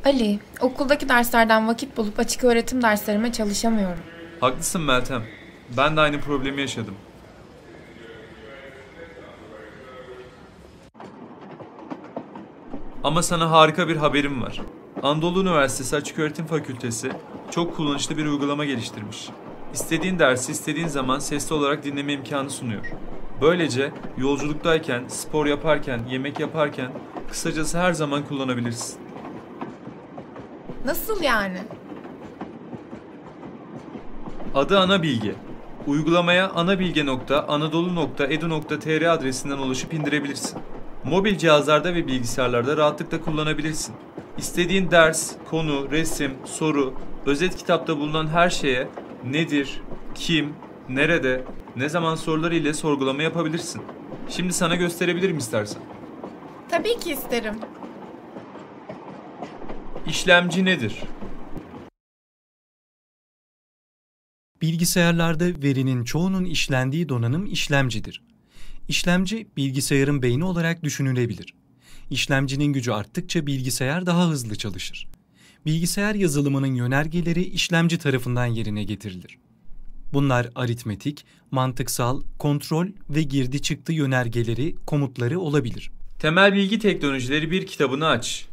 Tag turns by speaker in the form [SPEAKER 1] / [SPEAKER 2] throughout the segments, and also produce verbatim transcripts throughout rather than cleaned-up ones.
[SPEAKER 1] Ali, okuldaki derslerden vakit bulup açık öğretim derslerime çalışamıyorum.
[SPEAKER 2] Haklısın Meltem. Ben de aynı problemi yaşadım. Ama sana harika bir haberim var. Anadolu Üniversitesi Açıköğretim Fakültesi çok kullanışlı bir uygulama geliştirmiş. İstediğin dersi istediğin zaman sesli olarak dinleme imkanı sunuyor. Böylece yolculuktayken, spor yaparken, yemek yaparken kısacası her zaman kullanabilirsin.
[SPEAKER 1] Nasıl yani?
[SPEAKER 2] Adı Anabilge. Uygulamaya anabilge nokta anadolu nokta edu nokta tr adresinden ulaşıp indirebilirsin. Mobil cihazlarda ve bilgisayarlarda rahatlıkla kullanabilirsin. İstediğin ders, konu, resim, soru, özet kitapta bulunan her şeye nedir, kim, nerede, ne zaman soruları ile sorgulama yapabilirsin. Şimdi sana gösterebilirim istersen.
[SPEAKER 1] Tabii ki isterim.
[SPEAKER 2] İşlemci nedir?
[SPEAKER 3] Bilgisayarlarda verinin çoğunun işlendiği donanım işlemcidir. İşlemci, bilgisayarın beyni olarak düşünülebilir. İşlemcinin gücü arttıkça bilgisayar daha hızlı çalışır. Bilgisayar yazılımının yönergeleri işlemci tarafından yerine getirilir. Bunlar aritmetik, mantıksal, kontrol ve girdi çıktı yönergeleri, komutları olabilir.
[SPEAKER 2] Temel Bilgi Teknolojileri bir kitabını aç.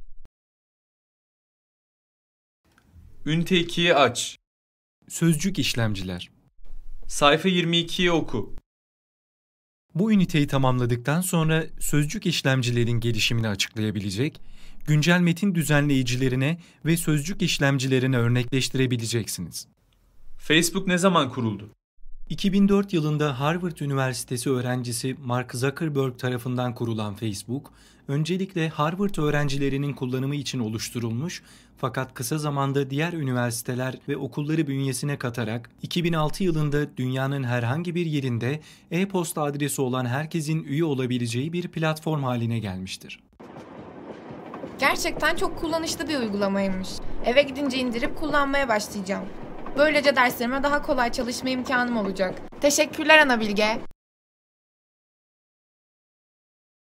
[SPEAKER 2] Ünite ikiyi aç.
[SPEAKER 3] Sözcük işlemciler.
[SPEAKER 2] Sayfa yirmi ikiyi oku.
[SPEAKER 3] Bu üniteyi tamamladıktan sonra sözcük işlemcilerin gelişimini açıklayabilecek, güncel metin düzenleyicilerine ve sözcük işlemcilerine örnekleştirebileceksiniz.
[SPEAKER 2] Facebook ne zaman kuruldu?
[SPEAKER 3] iki bin dört yılında Harvard Üniversitesi öğrencisi Mark Zuckerberg tarafından kurulan Facebook, öncelikle Harvard öğrencilerinin kullanımı için oluşturulmuş fakat kısa zamanda diğer üniversiteler ve okulları bünyesine katarak iki bin altı yılında dünyanın herhangi bir yerinde e-posta adresi olan herkesin üye olabileceği bir platform haline gelmiştir.
[SPEAKER 1] Gerçekten çok kullanışlı bir uygulamaymış. Eve gidince indirip kullanmaya başlayacağım. Böylece derslerime daha kolay çalışma imkanım olacak. Teşekkürler Anabilge.